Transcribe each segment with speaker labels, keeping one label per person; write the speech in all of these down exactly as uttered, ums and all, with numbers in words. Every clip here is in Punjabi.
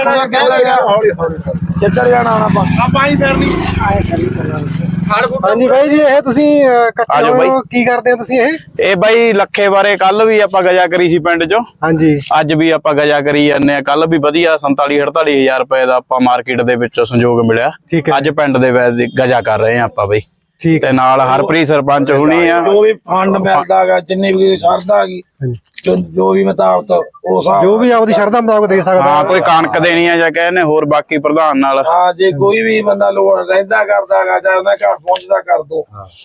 Speaker 1: ਕਿੱਧਰ ਜਾਣਾ ਹੁਣ ਆਪਾਂ ਆਪਾਂ ਹੀ ਫਿਰ ਨਹੀਂ ਆਏ ਕਰੀ
Speaker 2: ਹਾਂਜੀ ਬਾਈ ਜੀ ਇਹ ਤੁਸੀਂ ਇਕੱਠੇ ਹੋ ਕੀ ਕਰਦੇ ਹੋ ਤੁਸੀਂ ਇਹ
Speaker 3: ਇਹ ਬਾਈ ਲੱਖੇ ਬਾਰੇ ਕੱਲ ਵੀ ਆਪਾਂ ਗਜਾ ਕਰੀ ਸੀ ਪਿੰਡ ਚੋਂ
Speaker 2: ਹਾਂਜੀ ਅੱਜ
Speaker 3: ਵੀ ਆਪਾਂ ਗਜਾ ਕਰੀ ਜਾਂਦੇ ਆ ਕੱਲ ਵੀ ਵਧੀਆ ਸੰਤਾਲੀ ਅੜਤਾਲੀ ਹਜ਼ਾਰ ਰੁਪਏ ਦਾ ਆਪਾਂ ਮਾਰਕੀਟ ਦੇ ਵਿੱਚੋਂ ਸੰਯੋਗ ਮਿਲਿਆ ਅੱਜ ਪਿੰਡ ਦੇ ਵਿੱਚ ਗਜਾ ਕਰ ਰਹੇ ਆ ਆਪਾਂ ਬਾਈ
Speaker 2: ਠੀਕ
Speaker 3: ਤੇ ਨਾਲ ਹਰਪ੍ਰੀਤ ਸਰਪੰਚ ਹੁਣੀ ਆ
Speaker 1: ਜੋ ਵੀ ਫੰਡ ਮਿਲਦਾ ਹੈਗਾ ਜਿੰਨੀ ਵੀ ਸਰਦਾ ਹੈਗੀ ਜੋ ਵੀ ਮੁਤਾਬਕ ਉਹ ਹਿਸਾਬ
Speaker 2: ਜੋ ਵੀ ਆਪਦੀ ਸ਼ਰਧਾ ਮੁਤਾਬਕ ਦੇ ਸਕਦਾ
Speaker 3: ਹਾਂ ਕੋਈ ਕਣਕ ਦੇਣੀ ਆ ਜਾਂ ਕਹਿੰਦੇ ਹੋਰ ਬਾਕੀ ਪ੍ਰਧਾਨ ਨਾਲ
Speaker 1: ਹਾਂ ਜੇ ਕੋਈ ਵੀ ਬੰਦਾ ਲੋੜ ਰਹਿੰਦਾ ਕਰਦਾ ਹੈਗਾ ਜਾਂ ਉਹਨਾਂ ਘਰ ਪਹੁੰਚਦਾ ਕਰ ਦੋ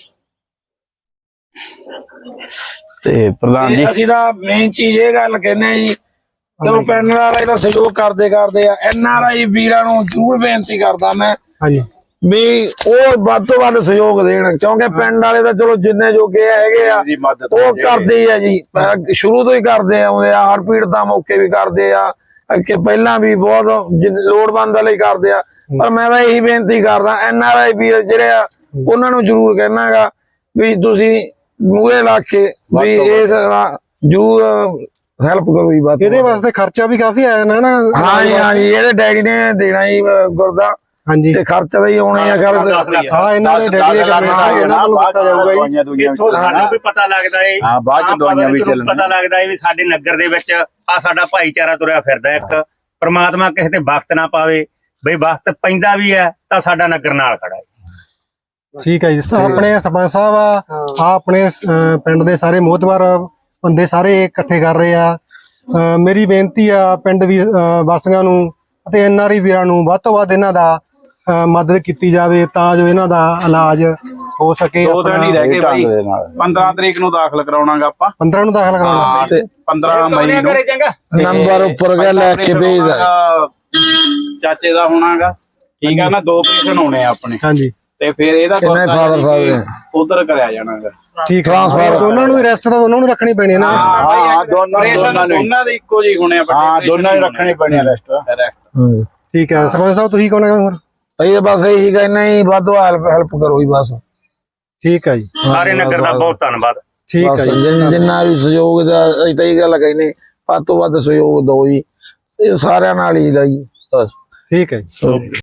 Speaker 3: ਤੇ ਪ੍ਰਧਾਨ ਜੀ
Speaker 1: ਅਸੀਂ ਤਾਂ ਮੇਨ ਚੀਜ਼ ਇਹ ਗੱਲ ਕਹਿੰਦੇ ਜੀ ਚਲੋ ਪਿੰਡ ਵਾਲੇ ਤਾਂ ਸਹਿਯੋਗ ਕਰਦੇ ਕਰਦੇ ਆ ਐਨ ਆਰ ਆਈ ਵੀਰਾਂ ਨੂੰ ਜ਼ਰੂਰ ਬੇਨਤੀ ਕਰਦਾ ਮੈਂ
Speaker 2: ਹਾਂਜੀ
Speaker 1: ਵੀ ਉਹ ਵੱਧ ਤੋਂ ਵੱਧ ਸਹਿਯੋਗ ਦੇਣ ਕਿਉਂਕਿ ਪਿੰਡ ਵਾਲੇ ਤਾਂ ਚਲੋ ਜਿੰਨੇ ਜੋਗੇ ਹੈਗੇ ਆ ਉਹ ਕਰਦੇ ਹੀ ਆ ਜੀ ਸ਼ੁਰੂ ਤੋਂ ਹੀ ਕਰਦੇ ਆਉਂਦੇ ਆ ਹੜਪੀੜ ਦਾ ਮੌਕੇ ਵੀ ਕਰਦੇ ਆ ਕਿ ਪਹਿਲਾਂ ਵੀ ਬਹੁਤ ਲੋੜਵੰਦ ਲਈ ਕਰਦੇ ਆ ਪਰ ਮੈਂ ਤਾਂ ਇਹੀ ਬੇਨਤੀ ਕਰਦਾ ਐਨ ਆਰ ਆਈ ਵੀਰ ਜਿਹੜੇ ਆ ਉਹਨਾਂ ਨੂੰ ਜ਼ਰੂਰ ਕਹਿਣਾਗਾ ਵੀ ਤੁਸੀਂ ਮੂਹਰੇ ਲਾ ਕੇ ਵੀ ਇਸ ਜ਼ਰੂਰ ਹੈਲਪ ਕਰੋ ਜੀ ਬਾਤ
Speaker 2: ਇਹਦੇ ਵਾਸਤੇ ਖਰਚਾ ਵੀ ਕਾਫੀ ਆਇਆ ਨਾ ਨਾ
Speaker 1: ਹਾਂ ਜੀ ਹਾਂ ਜੀ ਇਹਦੇ ਡੈਡੀ ਨੇ ਦੇਣਾ ਜੀ ਗੁਰਦਾ
Speaker 2: ਹਾਂਜੀ
Speaker 1: ਤੇ ਖਰਚਾ ਤਾਂ ਹੀ ਆਉਣੇ ਆ ਖਰ
Speaker 2: ਹਾਂ ਇਹਨਾਂ ਦੇ ਡੈਡੀ ਦੇ ਇਹਨਾਂ ਨੂੰ ਦਿੱਤਾ ਜਾਊਗਾ ਜੀ
Speaker 4: ਸਾਨੂੰ ਵੀ ਪਤਾ ਲੱਗਦਾ ਏ
Speaker 5: ਹਾਂ ਬਾਅਦ ਚ ਦਵਾਈਆਂ ਵੀ ਚੱਲਣ
Speaker 4: ਪਤਾ ਲੱਗਦਾ ਏ ਵੀ ਸਾਡੇ ਨਗਰ ਦੇ ਵਿੱਚ ਆ ਸਾਡਾ ਭਾਈਚਾਰਾ ਤੁਰਿਆ ਫਿਰਦਾ ਇੱਕ ਪ੍ਰਮਾਤਮਾ ਕਿਸੇ ਤੇ ਵਕਤ ਨਾ ਪਾਵੇ ਬਈ ਵਕਤ ਪੈਂਦਾ ਵੀ ਹੈ ਤਾਂ ਸਾਡਾ ਨਗਰ ਨਾਲ ਖੜਾ ਹੈ
Speaker 2: ਠੀਕ ਹੈ ਜੀ ਆਪਣੇ ਸਰਪੰਚ ਸਾਹਿਬ ਆ ਆ ਆਪਣੇ ਪਿੰਡ ਦੇ ਸਾਰੇ ਮੋਹਤਵਾਰ ਬੰਦੇ ਸਾਰੇ ਇਕੱਠੇ ਕਰ ਰਹੇ ਆ ਮੇਰੀ ਬੇਨਤੀ ਆ ਪਿੰਡ ਵੀ ਵਾਸੀਆਂ ਨੂੰ ਅਤੇ ਐਨ ਆਰ ਆਈ ਵੀਰਾਂ ਨੂੰ ਵੱਧ ਤੋਂ ਵੱਧ ਇਹਨਾਂ ਦਾ ਮਦਦ ਕੀਤੀ ਜਾਵੇ ਤਾਂ ਜੋ ਇਹਨਾਂ ਦਾ ਇਲਾਜ ਹੋ ਸਕੇ
Speaker 3: ਦੋ ਦਿਨ ਹੀ ਰਹਿ ਗਏ ਬਾਈ ਪੰਦਰਾਂ ਤਰੀਕ ਨੂੰ ਦਾਖਲ ਕਰਾਉਣਾਗਾ ਆਪਾਂ
Speaker 2: ਪੰਦਰਾਂ ਨੂੰ ਦਾਖਲ ਕਰਾਉਣਾ
Speaker 3: ਤੇ ਪੰਦਰਾਂ ਮਈ ਨੂੰ
Speaker 1: ਨੰਬਰ ਉੱਪਰ ਗਿਆ ਲੈ ਕੇ ਭੇਜਦਾ
Speaker 3: ਚਾਚੇ ਦਾ ਹੋਣਾਗਾ ਠੀਕ ਆ ਨਾ ਦੋ ਆਪਰੇਸ਼ਨ ਹੋਣੇ ਆ ਆਪਣੇ
Speaker 2: ਹਾਂਜੀ
Speaker 3: ਤੇ ਫਿਰ ਇਹਦਾ
Speaker 1: ਫਾਦਰ ਸਾਹਿਬ
Speaker 3: ਉਧਰ ਕਰਿਆ ਜਾਣਾਗਾ
Speaker 2: ਠੀਕ ਟ੍ਰਾਂਸਫਰ ਦੋਨਾਂ ਨੂੰ ਰੈਸਟ ਤਾਂ ਦੋਨਾਂ ਨੂੰ ਰੱਖਣੀ ਪੈਣੀ ਨਾ
Speaker 3: ਹਾਂ ਦੋਨਾਂ ਦੋਨਾਂ ਨੂੰ ਦੋਨਾਂ ਦੇ ਇੱਕੋ ਜਿਹੀ ਹੋਣੇ ਆ
Speaker 5: ਹਾਂ ਦੋਨਾਂ ਹੀ ਰੱਖਣੀ ਪੈਣੀ ਆ ਰੈਸਟ
Speaker 2: ਠੀਕ ਹੈ ਸਰਪੰਚ ਸਾਹਿਬ ਤੁਸੀਂ ਕਹੋਗੇ ਹੋਰ
Speaker 1: ਇਹ ਬਸ ਇਹੀ ਕਹਿੰਦੇ ਜੀ ਵੱਧ ਹੈਲਪ ਹੈਲਪ ਕਰੋ ਜੀ ਬਸ
Speaker 2: ਠੀਕ ਹੈ ਜੀ
Speaker 4: ਸਾਰੇ ਨਗਰ ਦਾ ਬਹੁਤ ਧੰਨਵਾਦ
Speaker 2: ਠੀਕ ਹੈ ਜੀ
Speaker 1: ਜਿੰਨਾ ਵੀ ਸਹਿਯੋਗ ਦਾ ਅਸੀਂ ਤਾਂ ਇਹ ਗੱਲ ਕਹਿੰਦੇ ਵੱਧ ਤੋਂ ਵੱਧ ਸਹਿਯੋਗ ਦਿਓ ਜੀ ਸਾਰਿਆਂ ਨਾਲ ਹੀ ਦਾ ਜੀ ਬਸ
Speaker 2: ਠੀਕ ਹੈ ਜੀ